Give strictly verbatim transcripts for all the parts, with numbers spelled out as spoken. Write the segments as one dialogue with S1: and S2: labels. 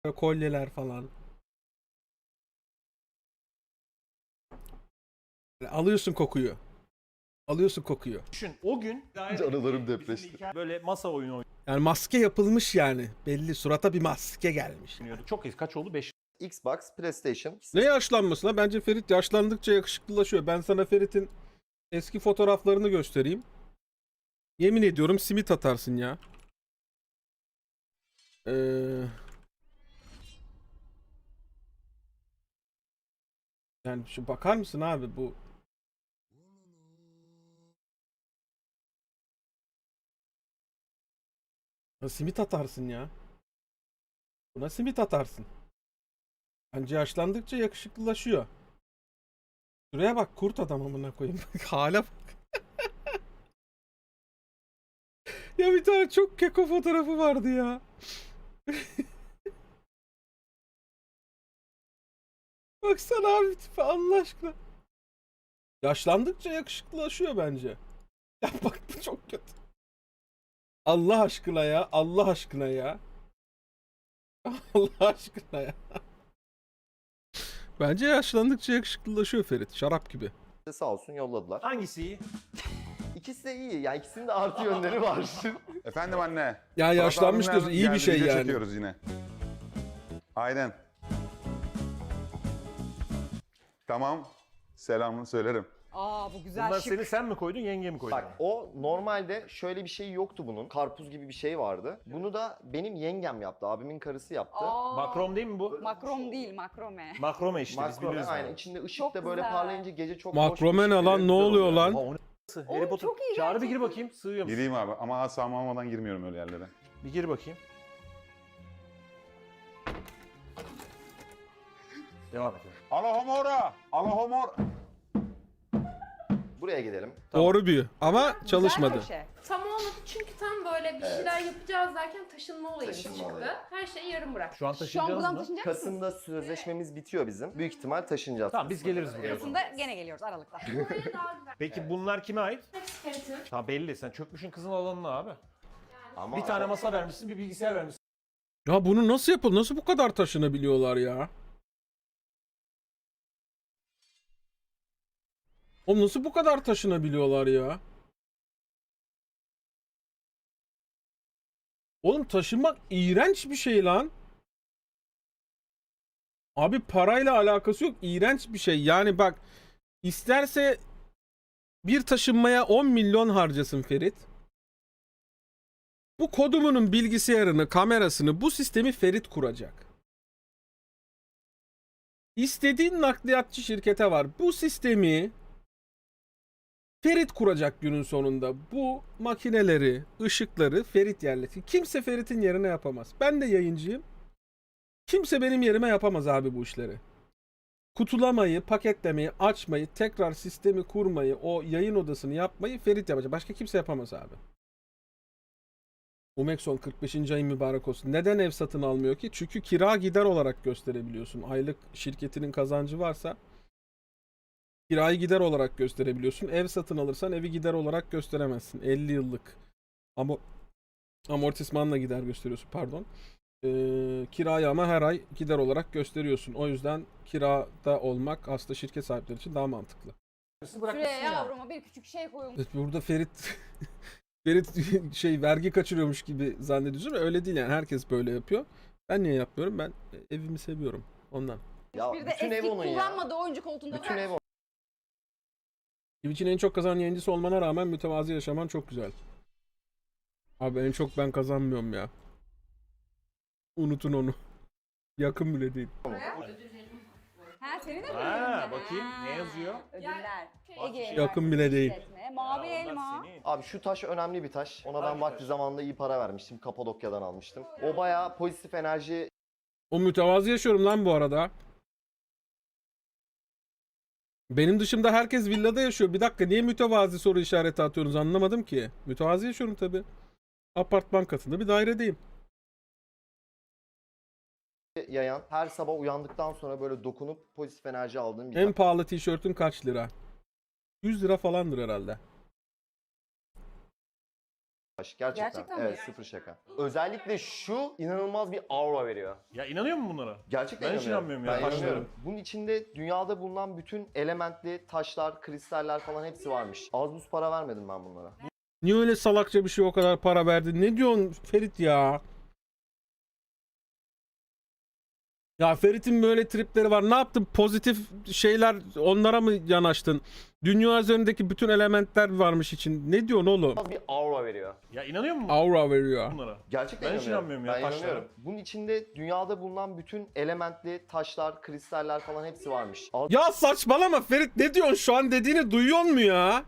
S1: kolyeler falan. Alıyorsun kokuyu. Alıyorsun kokuyu.
S2: Düşün o gün
S3: Canlarım depreşti.
S2: böyle masa oyunu
S1: Yani maske yapılmış yani. Belli surata bir maske gelmiş.
S2: oynuyorduk. Çok eski, kaç oldu? beş
S3: Xbox, PlayStation.
S1: Ne yaşlanması lan? Bence Ferit yaşlandıkça yakışıklılaşıyor. Ben sana Ferit'in eski fotoğraflarını göstereyim. Yemin ediyorum simit atarsın ya. Ee, yani şu bakar mısın abi bu? Ya simit atarsın ya. Buna simit atarsın. Bence yaşlandıkça yakışıklılaşıyor. Şuraya bak, kurt adam amına koyayım. Hala bak. Ya bir tane çok keko fotoğrafı vardı ya. Baksana abi tipe Allah aşkına. Yaşlandıkça yakışıklılaşıyor bence. Ya bak bu çok kötü. Allah aşkına ya. Allah aşkına ya. Allah aşkına ya. Bence yaşlandıkça yakışıklılaşıyor Ferit. Şarap gibi.
S3: Sağ olsun yolladılar.
S2: Hangisi iyi?
S3: İkisi de iyi. Yani ikisinin de artı yönleri var.
S4: Efendim anne.
S1: Ya yaşlanmış
S4: Murat
S1: diyorsun.
S4: abimle
S1: İyi bir
S4: geldi,
S1: şey
S4: video
S1: yani.
S4: çekiyoruz yine. Aynen. Tamam. Selamını söylerim.
S5: Aa bu güzel
S2: Bunlar
S5: şık.
S2: seni sen mi koydun, yenge mi koydu?
S3: Bak o normalde şöyle bir şey yoktu bunun. Karpuz gibi bir şey vardı. Bunu da benim yengem yaptı. Abimin karısı yaptı.
S5: Aa,
S2: Makrom değil mi bu?
S5: Makrom değil, makrome.
S2: Makrome işte, biz
S3: Makrome
S2: biliyoruz.
S3: aynen.
S2: yani.
S3: İçinde ışık
S5: Çok
S3: da böyle
S5: güzel.
S3: parlayınca gece çok
S1: Makrome
S3: hoş
S1: ne
S3: ışık
S1: lan?
S3: veriyor,
S1: Ne
S3: güzel
S1: oluyor
S3: oluyor.
S1: lan?
S2: Aa, o ne s***? Harry Potter.
S5: çok iyi
S2: Çağrı bir gir
S5: gerçekten.
S2: bakayım, sığıyor musun?
S4: Gireyim abi ama asam almadan girmiyorum öyle yerlere.
S2: Bir gir bakayım. Devam et.
S4: Allahomora! Allahomora!
S3: Buraya gidelim.
S1: Doğru büyü. Ama
S5: Güzel
S1: çalışmadı.
S5: köşe.
S6: Tam olmadı çünkü tam böyle bir şeyler yapacağız derken taşınma olayımız
S3: Taşınma
S6: çıktı.
S3: olayı.
S6: Her şeyi yarım bırak.
S2: Şu an
S5: Şu an
S2: taşıyacağız
S5: buradan
S2: mı?
S5: taşınacak mısınız?
S3: Kasım'da sözleşmemiz bitiyor bizim. Büyük ihtimal taşınacağız.
S2: Tamam biz geliriz buraya. o zaman.
S5: Kasım'da gene geliyoruz Aralık'ta.
S6: Buraya daha güzel.
S2: Peki bunlar kime ait?
S6: Hepsi Ferit'in.
S2: Tamam belli, sen çökmüşün kızın alanına abi.
S3: Ama
S2: Bir tane masa vermişsin, bir bilgisayar vermişsin.
S1: Ya bunu nasıl yapılır? Nasıl bu kadar taşınabiliyorlar ya? Oğlum nasıl bu kadar taşınabiliyorlar ya? Oğlum taşınmak iğrenç bir şey lan. Abi parayla alakası yok. İğrenç bir şey. Yani bak, isterse bir taşınmaya on milyon harcasın Ferit. Bu kodumunun bilgisayarını, kamerasını, bu sistemi Ferit kuracak. İstediğin nakliyatçı şirkete var. Bu sistemi Ferit kuracak günün sonunda. Bu makineleri, ışıkları Ferit yerleştirecek. Kimse Ferit'in yerine yapamaz. Ben de yayıncıyım. Kimse benim yerime yapamaz abi bu işleri. Kutulamayı, paketlemeyi, açmayı, tekrar sistemi kurmayı, o yayın odasını yapmayı Ferit yapacak. Başka kimse yapamaz abi. Umexon kırk beşinci ayın mübarek olsun. Neden ev satın almıyor ki? Çünkü kira gider olarak gösterebiliyorsun. Aylık şirketinin kazancı varsa kirayı gider olarak gösterebiliyorsun. Ev satın alırsan evi gider olarak gösteremezsin. elli yıllık ama amortismanla gider gösteriyorsun, pardon. Ee, kirayı ama her ay gider olarak gösteriyorsun. O yüzden kirada olmak aslında şirket sahipleri için daha mantıklı.
S5: Şuraya yavruma bir küçük şey koyun.
S1: Burada Ferit Ferit şey vergi kaçırıyormuş gibi zannediyorsun. Öyle değil yani. Herkes böyle yapıyor. Ben niye yapmıyorum? Ben evimi seviyorum ondan.
S3: ya
S5: Bir de
S3: bütün ev
S5: eski
S3: onun ya.
S5: kullanmadığı oyuncu koltuğunda
S3: Bütün
S5: var.
S3: ev onun.
S1: Twitch'in en çok kazanan yayıncısı olmana rağmen mütevazi yaşaman çok güzel. Abi en çok ben kazanmıyorum ya. Unutun onu. Yakın bile değil.
S5: Ha senin de mi
S2: Ha,
S5: ödülün?
S2: bakayım, ne yazıyor?
S5: Ödüller.
S2: Bak,
S5: Ege
S1: yakın bile değil.
S5: İşletme, Mavi
S2: Ya, onlar
S5: elma.
S2: senin.
S3: Abi şu taş önemli bir taş. Ona ben
S2: Hangi
S3: vakti
S2: taş?
S3: zamanında iyi para vermiştim. Kapadokya'dan almıştım. O bayağı pozitif enerji
S1: O mütevazi yaşıyorum lan bu arada. Benim dışımda herkes villada yaşıyor. Bir dakika, niye mütevazi soru işareti atıyorsunuz anlamadım ki. Mütevazi yaşıyorum tabi. Apartman katında bir dairedeyim.
S3: yayan, her sabah uyandıktan sonra böyle dokunup pozitif enerji aldığım bir
S1: En pahalı tişörtün kaç lira? yüz lira falandır herhalde.
S3: Gerçekten.
S5: Gerçekten mi?
S3: Evet, sıfır şaka. Özellikle şu inanılmaz bir aura veriyor.
S2: Ya inanıyor musun bunlara?
S3: Gerçekten
S2: Ben hiç
S3: inanıyorum.
S2: inanmıyorum ya,
S3: Ben
S2: taşlara.
S3: inanıyorum. Bunun içinde dünyada bulunan bütün elementli taşlar, kristaller falan hepsi varmış. Az buz para vermedim ben bunlara.
S1: Niye öyle salakça bir şey o kadar para verdin? Ne diyorsun Ferit ya? Ya Ferit'in böyle tripleri var. Ne yaptın? Pozitif şeyler onlara mı yanaştın? Dünya üzerindeki bütün elementler varmış için. Ne diyorsun oğlum?
S3: İnanılmaz bir aura veriyor.
S2: Ya inanıyor musun
S1: Aura veriyor.
S2: bunlara?
S3: Gerçekten
S2: Ben hiç
S3: inanıyorum.
S2: inanmıyorum ya,
S3: Ben
S2: taşlara.
S3: inanıyorum. Bunun içinde dünyada bulunan bütün elementli taşlar, kristaller falan hepsi varmış. Az
S1: Ya saçmalama Ferit, ne diyorsun şu an, dediğini duyuyor mu ya?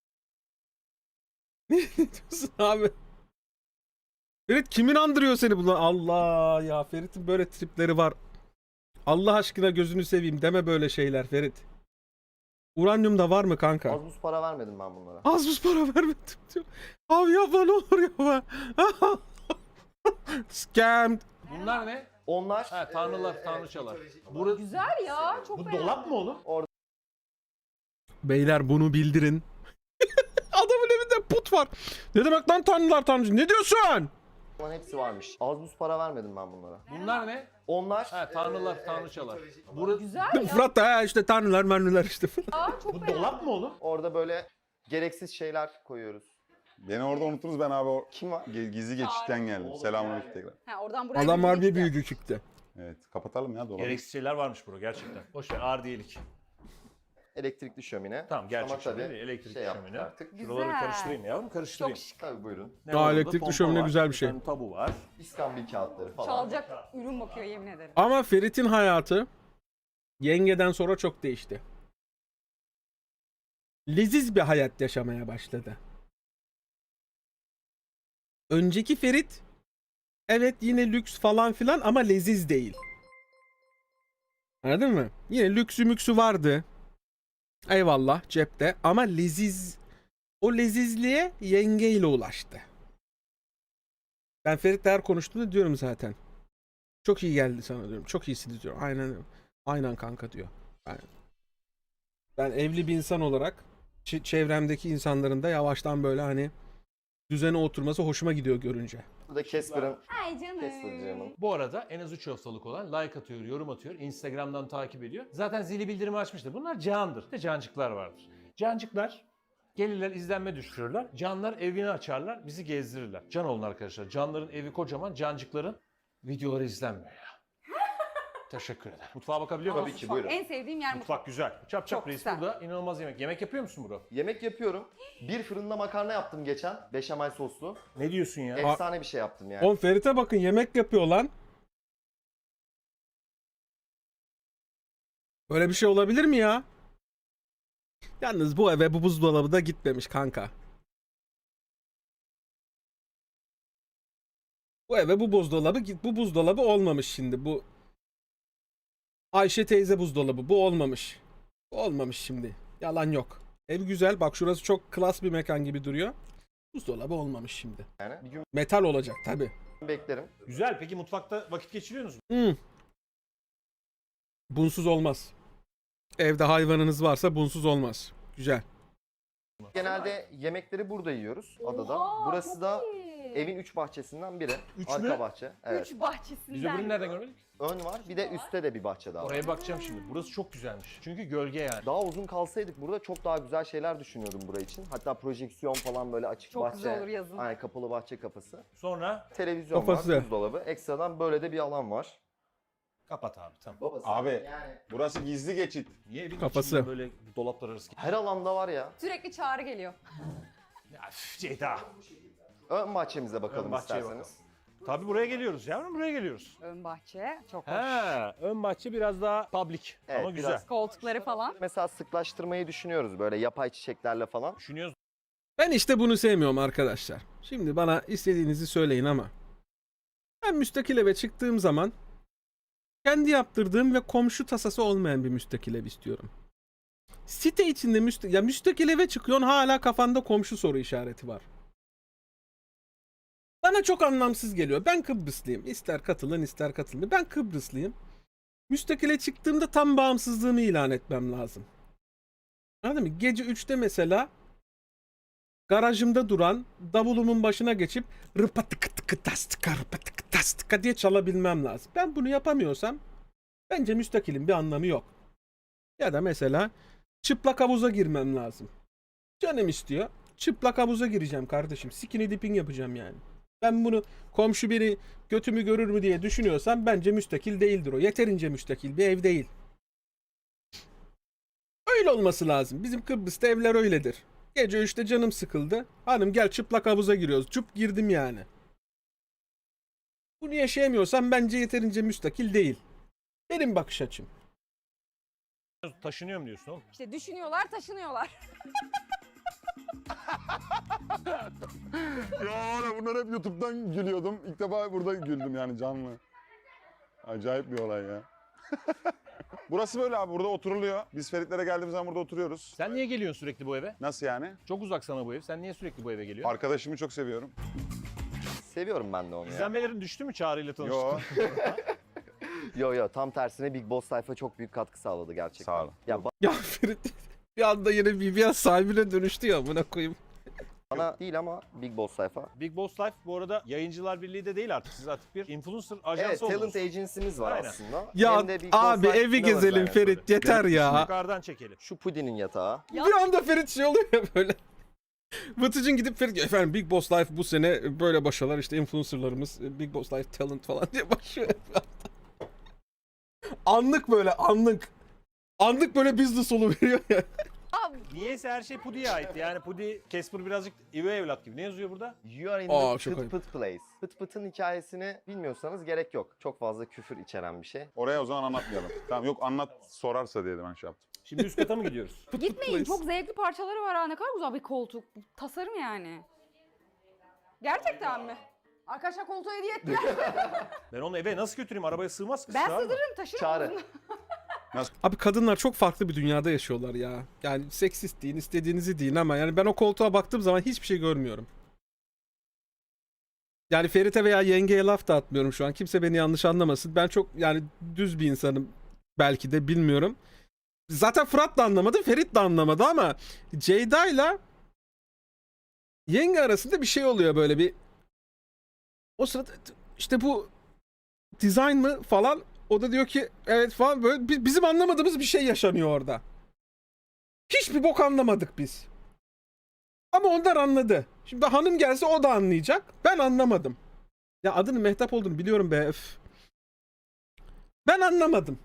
S1: Ne diyorsun abi? Ferit kimin andırıyor seni bunlar? Allah ya, Ferit'in böyle tripleri var. Allah aşkına gözünü seveyim deme böyle şeyler Ferit. Uranyum da var mı kanka?
S3: az buz para vermedim ben bunlara.
S1: Az buz para vermedim diyor. Abi yapma ne olur yapma. Scam.
S2: Bunlar ne?
S3: Onlar
S2: Ha, tanrılar,
S3: eee,
S2: tanrıçalar.
S3: mitolojik olan-
S2: Burası,
S5: Güzel ya. Çok
S2: bu
S5: beğendim.
S2: dolap mı oğlum?
S1: Beyler bunu bildirin. Adamın evinde put var. Ne demek lan tanrılar tanrıcı? Ne diyorsun?
S3: falan hepsi varmış. Az buz para vermedim ben bunlara.
S2: Bunlar ne?
S3: Onlar
S2: Ha, tanrılar,
S3: eee,
S2: tanrıçalar.
S3: mitolojik olan-
S2: Burası,
S5: Güzel ya.
S1: Fırat da ha işte tanrılar mermiler işte.
S5: Çok
S2: bu
S5: beğendim.
S2: dolap mı oğlum?
S3: Orada böyle gereksiz şeyler koyuyoruz.
S4: Beni orada unuttunuz, ben abi o
S3: Kim var?
S4: ge- gizli geçişten geldim. Selamünaleyküm tekrar.
S5: Ha, oradan buraya
S1: Adam
S5: gittik
S1: harbi
S5: işte.
S1: büyüdü çıktı.
S4: Evet, kapatalım ya dolabı.
S2: Gereksiz şeyler varmış bura gerçekten. Boş ver, ağır değilik.
S3: Elektrikli şömine.
S2: Tamam, gerçek
S3: Ama tabii
S2: şömine, elektrikli
S3: şey yaptık
S2: şömine.
S3: artık.
S2: Şuraları
S5: Güzel.
S2: karıştırayım yavrum, karıştırayım.
S5: Çok şık.
S3: Tabii buyurun.
S2: Ne
S1: Aa,
S2: var orada?
S1: elektrikli
S2: Pompa
S1: şömine
S2: var,
S1: güzel bir şey.
S2: tane tabu var.
S3: İskambil kağıtları falan.
S5: Çalacak ürün bakıyor yemin ederim.
S1: Ama Ferit'in hayatı yengeden sonra çok değişti. Leziz bir hayat yaşamaya başladı. Önceki Ferit evet yine lüks falan filan ama leziz değil. Anladın mı? Yine lüksü müksü vardı. Eyvallah cepte ama leziz, o lezizliğe yengeyle ulaştı. Ben Ferit'le her konuştuğumda diyorum zaten. Çok iyi geldi sana diyorum. Çok iyisiniz diyor. Aynen aynen kanka diyor. Ben, ben evli bir insan olarak ç- çevremdeki insanların da yavaştan böyle hani düzene oturması hoşuma gidiyor görünce.
S3: Burada Casper'ın
S5: Ay canım.
S3: Casper canım.
S2: Bu arada en az üç haftalık olan like atıyor, yorum atıyor, Instagram'dan takip ediyor. Zaten zili bildirimi açmıştır. Bunlar candır. Bir de cancıklar vardır. Cancıklar gelirler, izlenme düşürürler. Canlar evini açarlar, bizi gezdirirler. Can olun arkadaşlar. Canların evi kocaman, cancıkların videoları izlenmiyor ya. Teşekkür ederim. Mutfağa bakabiliyor muyum?
S3: Tabii ki buyurun.
S5: En sevdiğim yer mutfak.
S2: Mutfak güzel. Çap çap
S5: Çok
S2: reis
S5: güzel.
S2: burada inanılmaz yemek. Yemek yapıyor musun bro?
S3: Yemek yapıyorum. Bir fırında makarna yaptım geçen. Beşamel soslu.
S2: Ne diyorsun ya?
S3: Efsane bir şey yaptım yani.
S1: Oğlum Ferit'e bakın yemek yapıyor lan. Böyle bir şey olabilir mi ya? Yalnız bu eve bu buzdolabı da gitmemiş kanka. Bu eve bu buzdolabı git, bu buzdolabı olmamış şimdi. Bu Ayşe teyze buzdolabı bu olmamış. Bu olmamış şimdi. Yalan yok. Ev güzel. Bak şurası çok klas bir mekan gibi duruyor. Buzdolabı olmamış şimdi.
S3: yani. Bir gün
S1: Metal olacak tabi.
S3: beklerim.
S2: Güzel. Peki mutfakta vakit geçiriyorsunuz mu?
S1: Hmm. Bunsuz olmaz. Evde hayvanınız varsa bunsuz olmaz. Güzel.
S3: Genelde yemekleri burada yiyoruz adada.
S5: Oha,
S3: Burası
S5: çok
S3: da
S5: iyi.
S3: evin üç bahçesinden biri.
S2: Üç
S3: Arka
S2: mü?
S3: bahçe. Evet.
S5: Üç bahçesinden.
S2: Biz öbürünü nereden görmedik?
S3: Ön var. Bir de üstte de bir bahçe daha var.
S2: Oraya bakacağım şimdi. Burası çok güzelmiş. Çünkü gölge yani.
S3: Daha uzun kalsaydık burada çok daha güzel şeyler düşünüyordum buraya için. Hatta projeksiyon falan böyle açık
S5: Çok
S3: bahçe.
S5: güzel olur yazın.
S3: Aynen kapalı bahçe kapısı.
S2: Sonra
S3: Televizyon
S1: Kafası.
S3: var, buzdolabı. Ekstradan böyle de bir alan var.
S2: kapat abi tamam.
S3: Babası.
S4: Abi
S3: Yani
S4: burası gizli geçit.
S2: Niye evin
S1: Kafası.
S2: içinde böyle dolaplar arası?
S3: her alanda var ya.
S5: Sürekli çağrı geliyor.
S2: Ya üf, Ceyda.
S3: Ön bahçemize bakalım
S2: Ön bahçeye
S3: isterseniz.
S2: Tabii buraya geliyoruz yavrum, buraya geliyoruz.
S5: Ön bahçe çok hoş.
S2: He, ön bahçe biraz daha public
S3: Evet,
S2: ama
S3: biraz-
S2: güzel.
S5: Koltukları falan.
S3: Mesela sıklaştırmayı düşünüyoruz böyle yapay çiçeklerle falan.
S2: Düşünüyoruz.
S1: Ben işte bunu sevmiyorum arkadaşlar. Şimdi bana istediğinizi söyleyin ama ben müstakil eve çıktığım zaman kendi yaptırdığım ve komşu tasası olmayan bir müstakil ev istiyorum. Site içinde müsta ya müstakil eve çıkıyorsun hala kafanda komşu soru işareti var. Bana çok anlamsız geliyor. Ben Kıbrıslıyım. İster katılın ister katılmayın. Ben Kıbrıslıyım. Müstakile çıktığımda tam bağımsızlığımı ilan etmem lazım. Anladın mı? Gece üçte mesela garajımda duran davulumun başına geçip rıpatıkı tıkı tastıka rıpatıkı tastıka diye çalabilmem lazım. Ben bunu yapamıyorsam bence müstakilin bir anlamı yok. Ya da mesela çıplak havuza girmem lazım. Canım istiyor. Çıplak havuza gireceğim kardeşim. Skinny dipping yapacağım yani. Ben bunu komşu biri götümü görür mü diye düşünüyorsam bence müstakil değildir o. Yeterince müstakil bir ev değil. Öyle olması lazım. Bizim Kıbrıs'ta evler öyledir. Gece üçte canım sıkıldı. Hanım gel çıplak havuza giriyoruz. Çup girdim yani. Bunu yaşayamıyorsam bence yeterince müstakil değil. Benim bakış açım.
S2: Taşınıyorum diyorsun oğlum.
S5: İşte düşünüyorlar, taşınıyorlar.
S4: Ya oğlum bunlar hep YouTube'dan gülüyordum. İlk defa burada güldüm yani canlı. Acayip bir olay ya. Burası böyle abi, burada oturuluyor. Biz Feritlere geldiğimiz zaman burada oturuyoruz.
S2: Sen niye geliyorsun sürekli bu eve?
S4: Nasıl yani?
S2: Çok uzak sana bu ev. Sen niye sürekli bu eve geliyorsun?
S4: Arkadaşımı çok seviyorum.
S3: Seviyorum ben de onu ya.
S2: İzlenmelerin düştü mü Çağrı ile tanıştın?
S4: Yo.
S3: Yo yo, tam tersine Big Boss sayfa çok büyük katkı sağladı gerçekten.
S4: Sağ olun.
S3: Ya
S1: Ya Ferit bir anda yine B B S sahibine dönüştü ya amına koyayım.
S3: bana değil ama Big Boss sayfa.
S2: Big Boss Life bu arada Yayıncılar Birliği de değil artık. Siz artık bir influencer ajansı
S3: Evet,
S2: oldunuz.
S3: talent agency'miz var
S2: Aynen.
S3: aslında.
S1: Ya
S3: Hem de Big Boss
S1: abi
S3: Life'da
S1: evi
S3: varız
S1: gezelim
S3: aynen.
S1: Ferit yeter ya.
S2: Yukarıdan çekelim.
S3: Şu Pudin'in yatağı.
S1: Bir anda Ferit şey oluyor ya böyle. Vıtıcın gidip Ferit efendim Big Boss Life bu sene böyle başarılar işte influencerlarımız Big Boss Life talent falan diye başlıyor. Anlık böyle anlık. Anlık böyle business veriyor ya.
S2: Niyeyse her şey Pudi'ye ait. Yani Pudi, Casper birazcık üvey evlat gibi. Ne yazıyor burada?
S3: You are in
S1: Aa,
S3: the
S1: çok
S3: pıt
S1: ayıp.
S3: pıt place. Pıt pıtın hikayesini bilmiyorsanız gerek yok. Çok fazla küfür içeren bir şey.
S4: Oraya o zaman anlatmayalım. Tamam, yok anlat sorarsa diye de ben şey yaptım.
S2: Şimdi üst kata mı gidiyoruz?
S5: Gitmeyin, çok zevkli parçaları var ha. Ne kadar güzel bir koltuk. Tasarım yani. Gerçekten mi? Arkadaşlar koltuğu hediye ettiler.
S2: Ben onu eve nasıl götüreyim? Arabaya sığmaz ki.
S5: Ben
S2: sığar mı?
S5: sığdırırım, taşırım.
S3: Çağrı.
S5: onu.
S1: Abi kadınlar çok farklı bir dünyada yaşıyorlar ya. Yani seksist deyin, istediğinizi deyin ama yani ben o koltuğa baktığım zaman hiçbir şey görmüyorum. Yani Ferit'e veya yengeye laf da atmıyorum şu an. Kimse beni yanlış anlamasın. Ben çok yani düz bir insanım belki de bilmiyorum. Zaten Fırat da anlamadı, Ferit de anlamadı ama Ceyda'yla yenge arasında bir şey oluyor böyle bir. O sırada işte bu design mı falan, o da diyor ki evet falan, böyle bi- bizim anlamadığımız bir şey yaşanıyor orada. Hiçbir bok anlamadık biz. Ama onlar anladı. Şimdi hanım gelse o da anlayacak. Ben anlamadım. Ya adının Mehtap olduğunu biliyorum be. Öf. Ben anlamadım.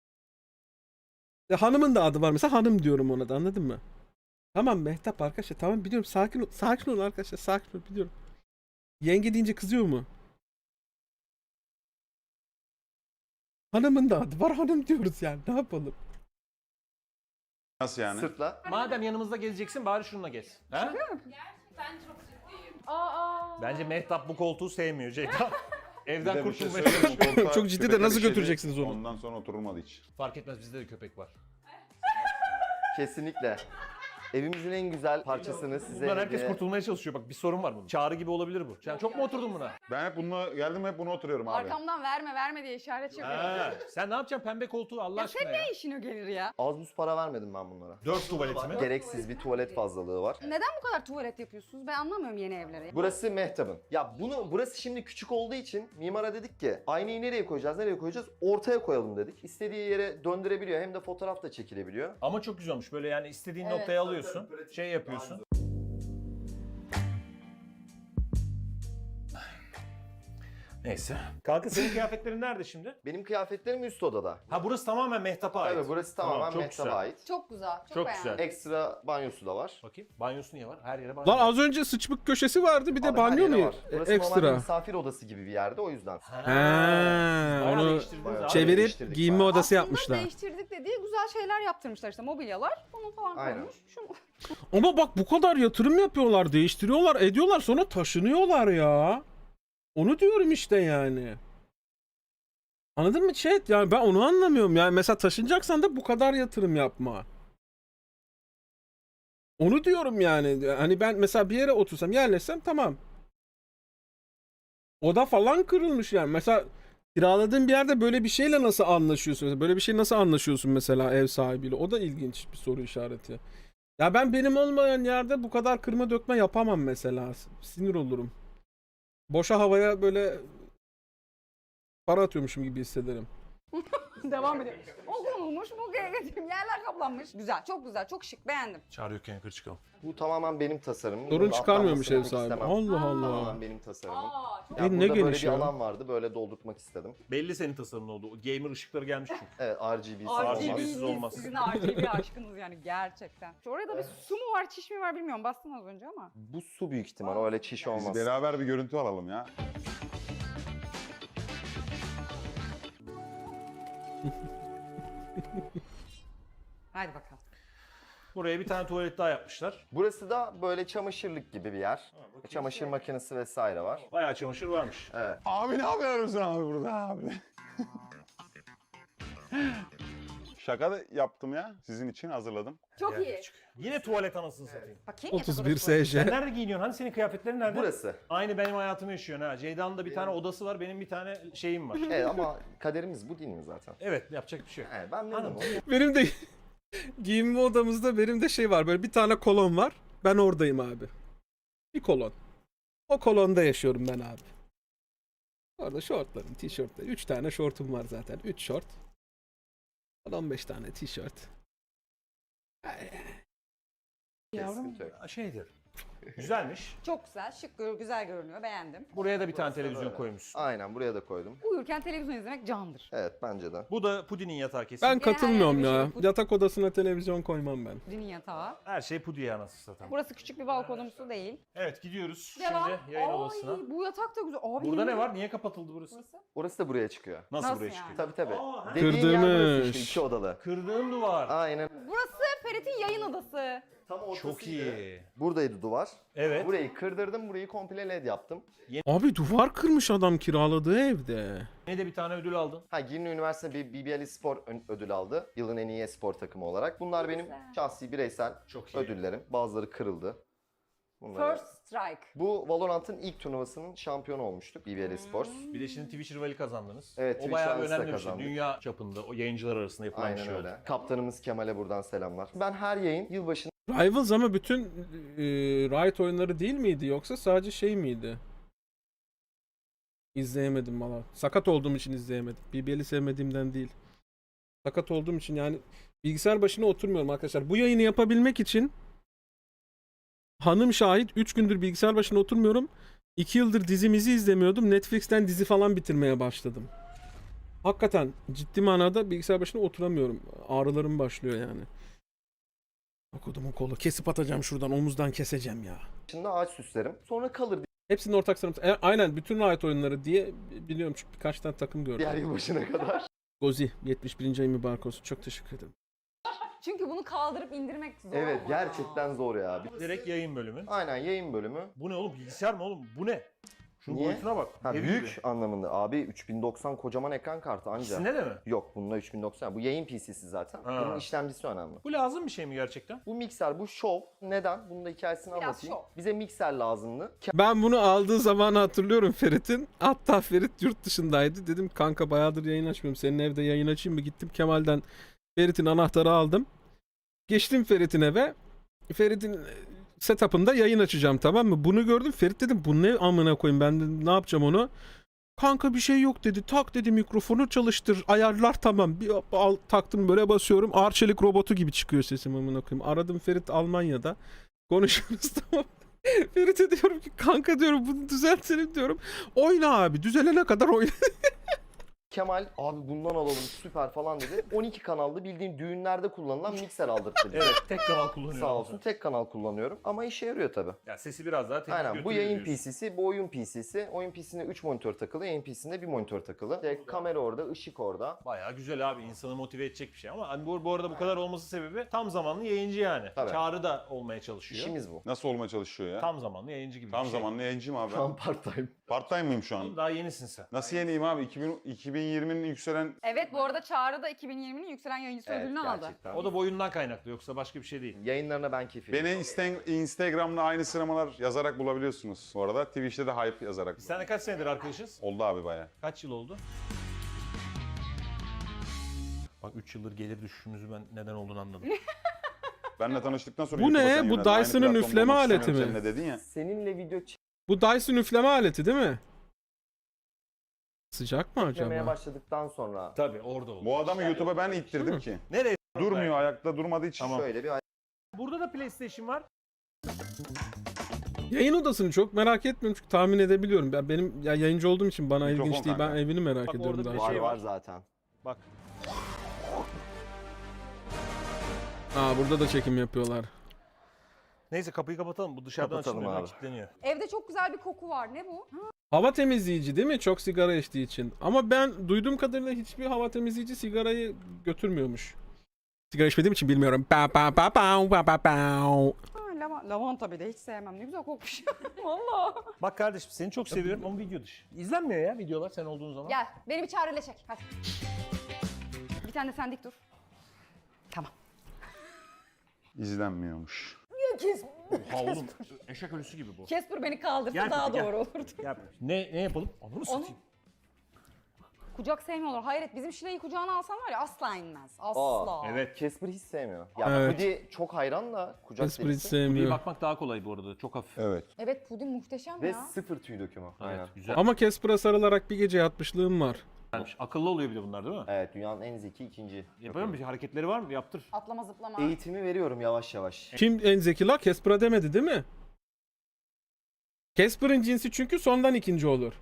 S1: Ya hanımın da adı var mesela, hanım diyorum ona da, anladın mı? Tamam Mehtap arkadaşlar, tamam biliyorum, sakin ol, sakin ol arkadaşlar, sakin ol, biliyorum. Yenge deyince kızıyor mu? Hanımın da adı var, hanım diyoruz yani, ne yapalım?
S4: Nasıl yani?
S3: Sırtla.
S2: Madem yanımızda gezeceksin bari şununla gez. Ha?
S6: Ben çok ciddiyim. Aa.
S2: Bence Mehtap bu koltuğu sevmiyor Ceyda.
S4: Bir
S2: Evden
S4: de bir şey
S2: kurtulmaya
S4: söyleyeyim mi?
S2: çalışıyor.
S4: Koltuğa
S1: Çok ciddi de
S4: köpekler
S1: nasıl
S4: işedi,
S1: götüreceksiniz onu?
S4: Ondan sonra oturulmadı hiç.
S2: Fark etmez, bizde de köpek var.
S3: Kesinlikle. Evimizin en güzel parçasını size
S2: Bundan herkes
S3: hediye-
S2: kurtulmaya çalışıyor. Bak bir sorun var bunun. Çağrı gibi olabilir bu. Sen çok mu oturdun buna?
S4: Ben hep bununla geldim, hep bunu oturuyorum abi.
S5: Arkamdan verme verme diye işaret yapıyor.
S2: Ha, sen ne yapacaksın pembe koltuğu Allah
S5: Ya
S2: aşkına
S5: sen
S2: ya?
S5: ne işine gelir ya?
S3: Az buz para vermedim ben bunlara.
S2: Dört tuvaleti mi?
S3: Gereksiz bir tuvalet fazlalığı var.
S5: Neden bu kadar tuvalet yapıyorsunuz? Ben anlamıyorum yeni evlere.
S3: Burası Mehtap'ın. Ya bunu burası şimdi küçük olduğu için mimara dedik ki aynayı nereye koyacağız, nereye koyacağız? Ortaya koyalım dedik. İstediği yere döndürebiliyor, hem de fotoğraf da çekilebiliyor.
S2: Ama çok güzel olmuş. Böyle yani istediğin
S5: Evet.
S2: noktaya alıyorsun. Şey yapıyorsun. Neyse. Kanka senin kıyafetlerin nerede şimdi?
S3: Benim kıyafetlerim üst odada.
S2: Ha burası tamamen Mehtap'a ait.
S3: Evet, burası tamamen
S2: çok
S3: Mehtap'a
S2: güzel.
S3: ait.
S5: Çok güzel. Çok,
S2: Çok
S5: beğendim.
S2: güzel.
S3: Ekstra banyosu da var.
S2: Bakayım. Banyosu niye var? Her yere banyo.
S1: Lan
S2: var.
S1: az önce sıçmık köşesi vardı, bir de
S3: Abi her
S1: banyo
S3: yere
S1: mu?
S3: var.
S1: E,
S3: Burası normalde
S1: Ekstra.
S3: misafir odası gibi bir yerde, o yüzden.
S2: Ha,
S1: Ha,
S2: bayağı
S1: onu
S2: değiştirdiniz
S3: bayağı
S2: abi.
S1: çevirip
S3: değiştirdik
S1: giyinme
S3: bayağı.
S1: odası
S5: Aslında
S1: yapmışlar.
S5: değiştirdik dediği güzel şeyler yaptırmışlar işte, mobilyalar. Onu falan
S3: Aynen.
S5: koymuş. Şunu...
S1: Ama bak bu kadar yatırım yapıyorlar, değiştiriyorlar, ediyorlar, sonra taşınıyorlar ya. Onu diyorum işte yani. Anladın mı chat? Yani ben onu anlamıyorum. Yani mesela taşınacaksan da bu kadar yatırım yapma. Onu diyorum yani. Hani ben mesela bir yere otursam, yerleşsem tamam. Oda falan kırılmış yani. Mesela kiraladığın bir yerde böyle bir şeyle nasıl anlaşıyorsun? Böyle bir şey nasıl anlaşıyorsun mesela ev sahibiyle? O da ilginç bir soru işareti. Ya ben benim olmayan yerde bu kadar kırma dökme yapamam mesela. Sinir olurum. Boşa havaya böyle para atıyormuşum gibi hissederim.
S5: Devam ediyor. O konulmuş, bu getirdim. Yerler kaplanmış. Güzel, çok güzel, çok şık. Beğendim.
S2: Çağırıyorken yukarı çıkalım.
S3: Bu tamamen benim tasarımım.
S1: Sorun
S3: Bunun
S1: çıkarmıyormuş ev
S3: atlanmasını
S1: sahibi.
S3: istemem.
S1: Allah Allah.
S3: Tamamen benim tasarımım.
S5: Aa, çok
S3: Ya
S1: E, ne
S3: burada böyle
S1: geniş
S3: bir
S1: ya.
S3: alan vardı. Böyle doldurtmak istedim.
S2: Belli senin tasarımın oldu. O gamer ışıkları gelmiş çünkü.
S3: Evet R G B'si
S2: R G
S3: olmaz.
S2: B'siz olmaz.
S5: Sizin R G B aşkınız yani gerçekten. Şu orada bir su mu var, çiş mi var bilmiyorum. Bastın az önce ama.
S3: Bu su büyük ihtimal. Öyle çiş
S4: Biz
S3: olmaz.
S4: beraber bir görüntü alalım ya.
S5: Hadi bakalım.
S2: Buraya bir tane tuvalet daha yapmışlar.
S3: Burası da böyle çamaşırlık gibi bir yer. Çamaşır makinesi vesaire var.
S2: Bayağı çamaşır varmış.
S3: Evet.
S4: Abi ne yapıyorsun abi burada abi? Şaka da yaptım ya. Sizin için hazırladım.
S5: Çok iyi.
S2: Yine tuvalet anasını satayım.
S5: Bakayım
S1: otuz bir
S5: yatak odası.
S1: S
S2: Sen
S1: J.
S2: nerede giyiniyorsun? Hani senin kıyafetlerin nerede?
S3: Burası.
S2: Aynı benim hayatımı yaşıyorsun ha. Ceyda'nın da bir tane odası var, benim bir tane şeyim var.
S3: Evet ama kaderimiz bu değil mi zaten?
S2: Evet, yapacak bir şey yok.
S3: Evet, ben memnunum.
S2: Anladım.
S1: Benim de giyinme odamızda benim de şey var. Böyle bir tane kolon var. Ben oradayım abi. Bir kolon. O kolonda yaşıyorum ben abi. Orada şortlarım, tişörtler. Üç tane şortum var zaten. Üç şort. on beş tane tişört.
S3: Sıkıntı yok.
S2: Şeydir. Güzelmiş.
S5: Çok güzel, şık, gör- güzel görünüyor. Beğendim.
S2: Buraya da bir tane televizyon
S3: Böyle.
S2: koymuşsun.
S3: Aynen buraya da koydum.
S5: Uyurken televizyon izlemek candır.
S3: Evet bence de.
S2: Bu da Pudi'nin yatağı kesin.
S1: Ben
S5: Gene her
S1: katılmıyorum
S5: yerde bir
S1: ya.
S5: şey-
S1: Yatak odasına televizyon koymam ben.
S5: Dinin yatağı.
S2: Her şey Pudi'ye anasını satayım.
S5: Burası küçük bir balkonumsu değil.
S2: Evet, gidiyoruz
S5: Devam.
S2: şimdi yayın
S5: Ay,
S2: odasına.
S5: bu yatak da güzel. Abi,
S2: Burada ne
S5: yemin-
S2: var? Niye kapatıldı burası?
S5: Burası.
S3: Orası da buraya çıkıyor.
S2: Nasıl,
S5: Nasıl
S2: buraya
S5: yani?
S2: çıkıyor?
S3: Tabii tabii.
S2: Aa,
S3: Dediğin yer burası
S1: Kırdırmış.
S3: işte, iki odalı.
S2: Kırdığın duvar.
S3: Aynen.
S5: Burası Ferit'in yayın odası.
S3: Tam ortasıydı.
S2: Çok iyi.
S3: Buradaydı duvar.
S2: Evet.
S3: Burayı kırdırdım, burayı komple led yaptım.
S1: Abi duvar kırmış adam kiraladığı evde.
S2: Yine de bir tane ödül aldın.
S3: Ha, Girne Üniversitesi bir B B L Spor ön- ödül aldı. Yılın en iyi spor takımı olarak. Bunlar benim
S5: Güzel.
S3: şahsi bireysel
S2: Çok iyi.
S3: ödüllerim. Bazıları kırıldı. Bunları-
S5: First Strike.
S3: Bu Valorant'ın ilk turnuvasının şampiyonu olmuştuk B B L Sports.
S2: Bir de şimdi Twitch rivali kazandınız.
S3: Evet,
S2: o
S3: Twitch
S2: bayağı
S3: rivalisi de
S2: önemli bir şey.
S3: kazandık.
S2: Dünya çapında o yayıncılar arasında yapılan bir
S3: Aynen
S2: şey
S3: öyle.
S2: oldu.
S3: Kaptanımız Kemal'e buradan selamlar. Ben her yayın yılbaşında
S1: Rivals ama bütün e, Riot oyunları değil miydi yoksa sadece şey miydi? İzleyemedim valla. Sakat olduğum için izleyemedim. B B L'i sevmediğimden değil. Sakat olduğum için yani bilgisayar başına oturmuyorum arkadaşlar. Bu yayını yapabilmek için hanım şahit üç gündür bilgisayar başına oturmuyorum. iki yıldır dizimizi izlemiyordum. Netflix'ten dizi falan bitirmeye başladım. Hakikaten ciddi manada bilgisayar başına oturamıyorum. Ağrılarım başlıyor yani. Okudum o kolu. Kesip atacağım şuradan. Omuzdan keseceğim ya.
S3: ağaç süslerim. Sonra kalır
S1: Hepsinin ortak sanatı. E, aynen bütün Riot oyunları diye biliyorum çünkü birkaç tane takım gördüm.
S3: diğer yılbaşına kadar.
S1: Gozi yetmiş birinci ay mübarek olsun. Çok teşekkür ederim.
S5: Çünkü bunu kaldırıp indirmek zor
S3: Evet,
S5: ama.
S3: gerçekten zor ya.
S2: Direkt yayın bölümü.
S3: Aynen, yayın bölümü.
S2: Bu ne oğlum? Bilgisayar mı oğlum? Bu ne? Şunun
S3: Niye?
S2: boyutuna bak.
S3: Ha,
S2: Dev
S3: büyük
S2: gibi.
S3: anlamında. Abi üç bin doksan kocaman ekran kartı anca.
S2: İkisinde de mi?
S3: Yok, bunda üç bin doksan. Bu yayın P C'si zaten.
S2: Ha.
S3: Bunun işlemcisi önemli.
S2: Bu lazım bir şey mi gerçekten?
S3: Bu mikser, bu şov. Neden? Bunun da hikayesini
S5: Biraz
S3: anlatayım.
S5: şov.
S3: Bize mikser lazımdı.
S1: Ben bunu aldığı zamanı hatırlıyorum Ferit'in. Hatta Ferit yurt dışındaydı. Dedim kanka bayağıdır yayın açmıyorum. Senin evde yayın açayım mı? Gittim Kemal'den Ferit'in anahtarı aldım. Geçtim Ferit'in eve. Ferit'in setup'ında yayın açacağım, tamam mı? Bunu gördüm. Ferit dedim bu ne amına koyayım, ben dedim, ne yapacağım onu? Kanka bir şey yok dedi. Tak dedi, mikrofonu çalıştır. Ayarlar tamam. Bir al, taktım böyle basıyorum. Arçelik robotu gibi çıkıyor sesim amına koyayım. Aradım Ferit Almanya'da. Konuşuyoruz tamam. Ferit'e diyorum ki kanka diyorum bunu düzeltelim diyorum. Oyna abi, düzelene kadar oyna.
S3: Kemal abi bundan alalım süper falan dedi. on iki kanallı bildiğin düğünlerde kullanılan mikser aldırttı bize.
S2: Evet, tek kanal kullanıyorum.
S3: Sağ olsun, tek kanal kullanıyorum ama işe yarıyor tabi.
S2: Ya sesi biraz daha tek
S3: Aynen, bu
S2: götürüyor
S3: yayın
S2: diyorsun.
S3: P C'si, bu oyun P C'si. Oyun P C'sinde üç monitör takılı, yayın P C'sinde bir monitör takılı. İşte kamera orada, ışık orada.
S2: Bayağı güzel abi, insanı motive edecek bir şey ama hani bu, bu arada bu kadar olması sebebi tam zamanlı yayıncı yani.
S3: Tabii.
S2: Çağrı da olmaya çalışıyor.
S3: İşimiz bu.
S4: Nasıl olmaya çalışıyor ya?
S2: Tam zamanlı yayıncı gibi
S4: Tam
S2: bir şey.
S4: zamanlı yayıncıyım abi.
S3: Tam part time.
S4: Part time mıyım şu an?
S2: Daha yenisin sen.
S4: Nasıl yeniyim abi? iki bin, iki bin yirminin yükselen...
S5: Evet, bu arada Çağrı da iki bin yirminin yükselen yayıncısı
S3: Evet,
S5: ödülünü aldı.
S3: gerçekten.
S2: O da boyundan kaynaklı, yoksa başka bir şey değil.
S3: Yayınlarına ben keyif
S4: Beni Insta- Instagram'da aynı sıralamalar yazarak bulabiliyorsunuz. Bu arada Twitch'te de hype yazarak.
S2: Biz seninle kaç senedir arkadaşız?
S4: Oldu abi baya.
S2: Kaç yıl oldu? Bak üç yıldır gelir düşüşümüzü ben neden olduğunu anladım.
S4: Benle tanıştıktan sonra
S1: Bu
S4: YouTube'a
S1: ne?
S4: sen
S1: Bu
S4: yöneldin. Aynı
S1: Dyson'ın
S4: platformda
S1: üfleme
S4: olmak
S1: aleti
S4: istemiyorum
S1: mi?
S4: seninle dedin ya.
S3: Seninle video
S1: Bu Dyson üfleme aleti değil mi? Sıcak mı
S3: çekmemeye
S1: acaba?
S3: başladıktan sonra
S2: Tabii orada oldu.
S4: Bu adamı YouTube'a ben ittirdim ki.
S2: Nereye?
S4: Durmuyor, ayakta durmadığı için.
S2: Tamam.
S3: şöyle bir
S2: Burada da PlayStation var.
S1: Yayın odasını çok merak etmiyorum çünkü tahmin edebiliyorum. Ben benim ya yayıncı olduğum için bana
S4: Mikrofon
S1: ilginç değil. Ben
S4: kanka.
S1: evini merak
S2: Bak
S1: ediyorum
S2: orada
S1: daha
S2: bir
S1: çok.
S3: var
S2: şey
S3: var
S2: var.
S3: zaten.
S2: Bak.
S1: Aa burada da çekim yapıyorlar.
S2: Neyse kapıyı kapatalım. Bu dışarıdan
S3: Kapatalım
S2: açılmıyor.
S3: abi.
S2: Kilitleniyor.
S5: Evde çok güzel bir koku var. Ne bu?
S1: Hava temizleyici değil mi? Çok sigara içtiği için. Ama ben duyduğum kadarıyla hiçbir hava temizleyici sigarayı götürmüyormuş. Sigara içmediğim için bilmiyorum. Pa pa pa pa pa pa pa.
S5: Ha, lava- lavanta bir de hiç sevmem. Ne güzel kokmuş. Valla.
S2: Bak kardeşim seni çok seviyorum ama video dışı. İzlenmiyor ya videolar sen olduğun zaman.
S5: Gel beni bir çağrıyla çek. Hadi. Bir tane de sen dik dur. Tamam.
S4: İzlenmiyormuş.
S5: Kes.
S2: Ha oğlum eşek ölüsü gibi bu.
S5: Casper beni kaldırsa
S2: Gel
S5: daha
S2: peki, gel.
S5: doğru olurdu.
S2: Yap. Ne ne yapalım? Onu satayım.
S5: Kucak sevmiyorlar. Hayret bizim Şile'yi kucağına alsan var ya asla inmez. Asla.
S3: Aa,
S2: Evet.
S3: Casper hiç sevmiyor. Ya
S1: Evet.
S3: Pudi çok hayran da kucak
S1: Esprit hiç
S3: delisi.
S2: Videoya
S1: sevmiyor.
S2: bakmak daha kolay bu arada. Çok hafif.
S4: Evet.
S5: Evet puding muhteşem
S3: Ve
S5: ya.
S3: sıfır tüy dökümü. Aynen.
S2: Evet, güzel.
S1: Ama Casper'a sarılarak bir gece yatmışlığım var.
S2: Güzelmiş. Akıllı oluyor bir de bunlar değil mi?
S3: Evet, dünyanın en zeki ikinci.
S2: Yapıyor mu? Bir hareketleri var mı? Yaptır.
S5: Atlama zıplama.
S3: Eğitimi veriyorum yavaş yavaş.
S1: Kim en zeki la? Casper'a demedi değil mi? Casper'ın cinsi çünkü sondan ikinci olur.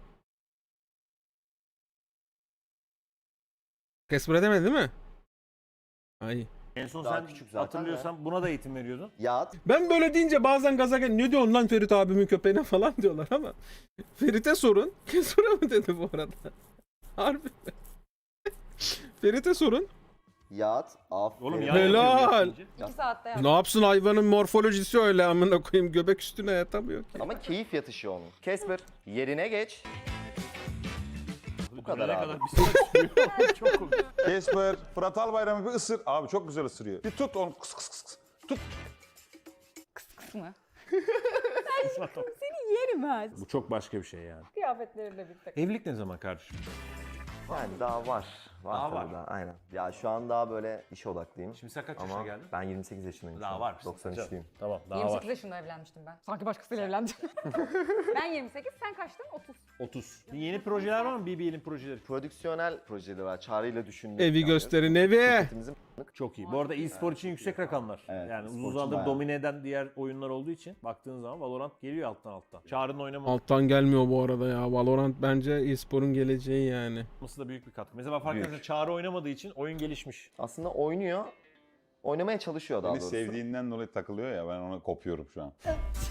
S1: Casper'a demedi değil mi? Ay.
S2: En son
S3: Daha
S2: sen
S3: küçük zaten
S2: hatırlıyorsan buna da eğitim veriyordun.
S3: Yat.
S1: Ben böyle deyince bazen gaza gel. Ne diyorsun lan Ferit abimin köpeğine falan diyorlar ama. Ferit'e sorun. Casper'a mı dedi bu arada? Harbi mi? Ferit'e sorun.
S3: Yat. Aferin.
S2: Oğlum yan
S1: Helal.
S2: yapıyor deyince.
S5: İki saatte yap.
S1: Ne yapsın hayvanın morfolojisi öyle amına koyayım göbek üstüne yatamıyor ki.
S3: Ama keyif yatışı onun. Casper yerine geç.
S2: Bu
S3: kadar abi.
S2: bir saat sürüyor. Çok komik.
S4: Casper, Fırat Albayram'ı bir ısır. Abi çok güzel ısırıyor. Bir tut onu. Kıs kıs kıs kıs. Tut.
S5: Kısmı. Seni yerim ha.
S2: Bu çok başka bir şey yani.
S5: Kıyafetleriyle birlikte.
S2: Evlilik ne zaman kardeşim?
S3: Yani daha var. Var
S2: Daha
S3: tabii
S2: var.
S3: daha. Aynen. Ya şu an daha böyle işe odaklıyım.
S2: Şimdi sen kaç yaşına
S3: Ama
S2: geldin?
S3: ben yirmi sekiz yaşındayım. şu
S2: Daha
S3: an.
S2: var.
S3: doksan üçlüyüm.
S2: Tamam daha
S5: yirmi
S2: var.
S5: sekiz yaşında evlenmiştim ben. Sanki başkasıyla evlendim. Ben yirmi sekiz, sen kaçtın? otuz.
S2: otuz. Yeni projeler var mı? B B L'in projeleri.
S3: Prodüksiyonel projeleri var. Çağrı'yla düşündük.
S1: Evi
S3: yani.
S1: gösterin evi.
S3: Şirketimizin
S2: Çok iyi. Bu arada e-spor için yüksek rakamlar.
S3: Evet,
S2: yani
S3: e-spor
S2: uzun
S3: için
S2: zamandır
S3: bayağı.
S2: domine eden diğer oyunlar olduğu için baktığın zaman Valorant geliyor alttan alttan. Çağrı'nın oynaması
S1: Alttan gelmiyor bu arada ya. Valorant bence e-sporun geleceği yani.
S2: da büyük bir katkı. Mesela fark
S3: Büyük.
S2: edersen Çağrı oynamadığı için oyun gelişmiş.
S3: aslında oynuyor. Oynamaya çalışıyor daha
S4: Beni
S3: doğrusu.
S4: sevdiğinden dolayı takılıyor ya ben ona kopuyorum şu an.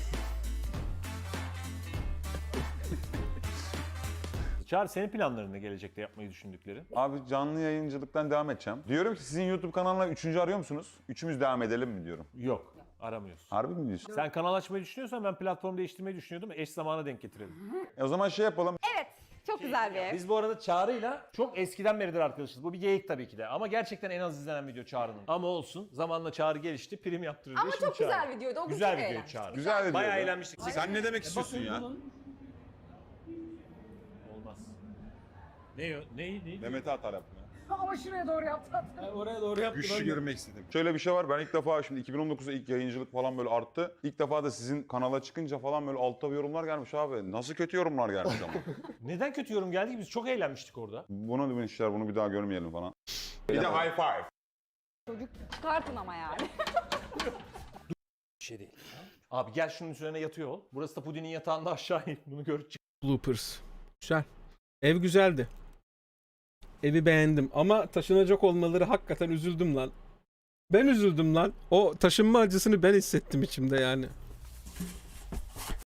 S2: Çağrı senin planların ne gelecekte yapmayı düşündüklerin?
S4: Abi canlı yayıncılıktan devam edeceğim. Diyorum ki sizin YouTube kanalına üçüncü arıyor musunuz? Üçümüz devam edelim mi diyorum.
S2: Yok. Aramıyorsun.
S4: Harbi mi diyorsun?
S2: Sen kanal açmayı düşünüyorsan ben platform değiştirmeyi düşünüyordum. Eş zamana denk getirelim.
S4: E o zaman şey yapalım.
S5: Evet, çok güzel bir ev.
S2: Biz bu arada Çağrı'yla çok eskiden beridir arkadaşız. Bu bir geyik tabii ki de. Ama gerçekten en az izlenen video Çağrı'nın. Ama olsun. Zamanla Çağrı gelişti. Prim yaptırıyor.
S5: Ama çok güzel videoydu. O gün
S2: Güzel
S5: çok
S2: video
S5: eğlenmiştik.
S2: Çağrı.
S4: Güzel video.
S2: Bayağı eğlenmiştik.
S4: Sen ne demek istiyorsun ya?
S2: Olmaz. Ne o? Ne? Ne?
S4: Mehmet'e atar yapma.
S5: Ama şuraya doğru yaptı.
S2: Oraya doğru yaptım.
S4: Güçlü görmek istedim. Şöyle bir şey var. Ben ilk defa şimdi iki bin on dokuzda ilk yayıncılık falan böyle arttı. İlk defa da sizin kanala çıkınca falan böyle altta bir yorumlar gelmiş abi. Nasıl kötü yorumlar gelmiş ama.
S2: Neden kötü yorum geldi ki? Biz çok eğlenmiştik orada.
S4: Bunu demişler bunu bir daha görmeyelim falan. Bir de high five.
S5: Çocuk çıkartın ama yani.
S2: Bir şey değil. Abi gel şunun üzerine yatıyor ol. Burası da Pudin'in yatağında aşağı in. Bunu görüp çık.
S1: Bloopers. Güzel. Ev güzeldi. Evi beğendim ama taşınacak olmaları hakikaten üzüldüm lan. Ben üzüldüm lan. O taşınma acısını ben hissettim içimde yani.